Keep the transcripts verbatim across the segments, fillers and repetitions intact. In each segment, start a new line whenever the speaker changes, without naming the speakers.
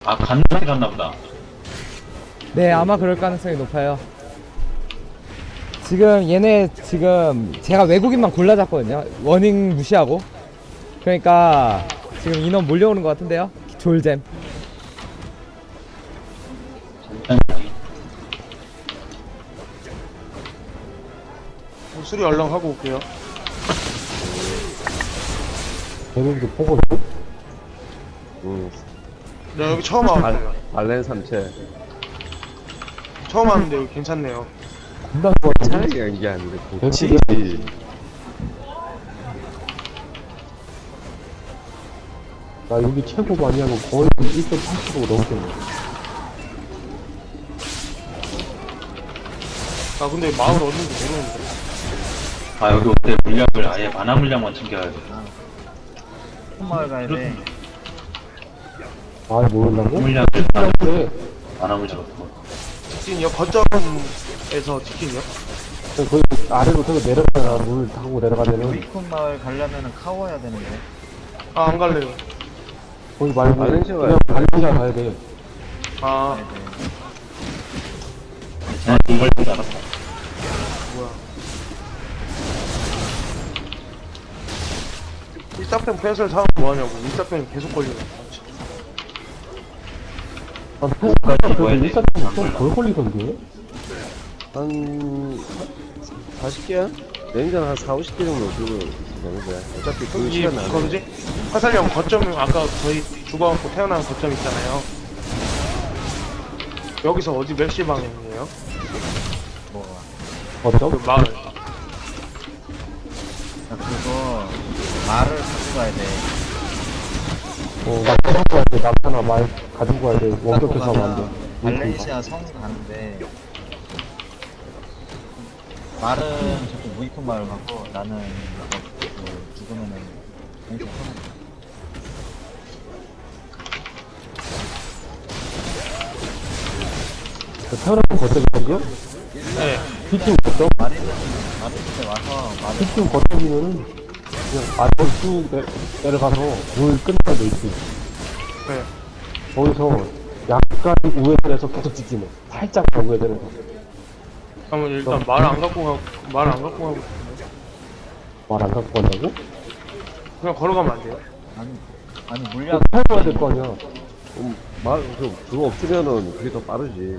아, 갔나 갔나 보다.
네, 아마 그럴 가능성이 높아요. 지금 얘네 지금 제가 외국인만 골라잡거든요. 워닝 무시하고. 그러니까 지금 인원 몰려오는 것 같은데요. 졸잼.
수리 얼렁 하고 올게요.
대륙도 보고
응.
네, 여기 처음 와봤어요.
발렌 삼체.
처음 왔는데 여기 괜찮네요.
금방 거
차이가 이게 아니라 고치.
나 여기 최고 많이 하고 거의 일 점 팔십오 넘게.
아 근데 마을 어딘지 모르는데.
아, 여기 올 때 물약을 아예 만화 물약만 챙겨야겠다.
마을 가야 돼.
아 모른다고?
물약을
그래.
만화 물약 없고.
치킨이요? 거점에서 치킨이요?
거기 아래로 저거 내려가잖아. 물 타고 내려가면은
우이콘 마을 가려면은 카워야 되는데.
아 안 갈래요.
거기 말고
발렌시아
그냥 발렌시아 가야 돼.
아
난 이걸 알았다.
뭐야. 일사병 펜슬 사면 뭐하냐고. 일사병이 계속 걸리네.
아, 펜스가 그래도
뭐야,
일사점
안
좀덜 걸리던데?
한 사십 개야? 냉장 한 사, 오십 개 정도 들고 되는데 어차피 그
여기
시간 안에
뭐지? 화살령 거점 아까 저희 죽어갖고 태어난 거점 있잖아요. 여기서 어디 몇 시 방향이에요?
뭐가?
어쩜?
그 마을.
야, 그거 말을 갖고 가야 돼.
어, 나 가지고 가야 돼. 남편아 말 가지고 가야 돼. 원격해서 하면 안 돼.
발렌시아 성 가는데 말은 저쪽 무이콘 마을 가고 나는 그 죽으면은 공식 하는 거야.
태어난 거점이거든요?
네.
B팀 거점?
말이는 말이는 와서 말을
B팀 거점이면은 그냥 아래로 쭉 내, 내려가서 물 끝나는 데 있지.
네.
거기서 약간 우회전해서 계속 직진해. 살짝만 우회전해서.
그러면 일단 말 안 갖고 가고 말 안 갖고 가고
말 안 갖고 간다고?
그냥 걸어가면 안 돼요?
아니 아니
그거
물약
타고 될 거 아니야.
음, 말, 그, 그거 없으면은 그게 더 빠르지.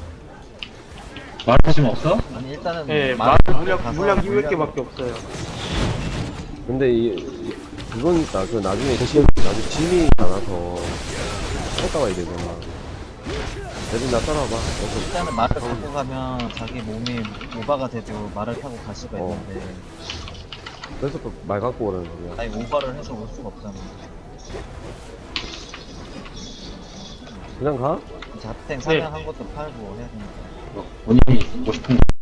말하심 없어?
아니 일단은
네,
말
말 물약
가서
물약 이백
물약을-
개밖에 없어요.
근데 이, 이 그건 있다. 그 나중에 지, 나중에 짐이 많아서 갔다 와야 되잖아. 대신 나 따라와봐. 여기서
일단은 말을 갖고 가면 자기 몸이 오바가 돼도 말을 타고 갈 수가
어.
있는데
그래서 또 말 갖고 오라는 거야.
아니 오바를 해서 올 수가 없잖아.
그냥 가?
자탱 사냥한 것도 팔고 해야 되니까.
본인이 먹고 싶은 거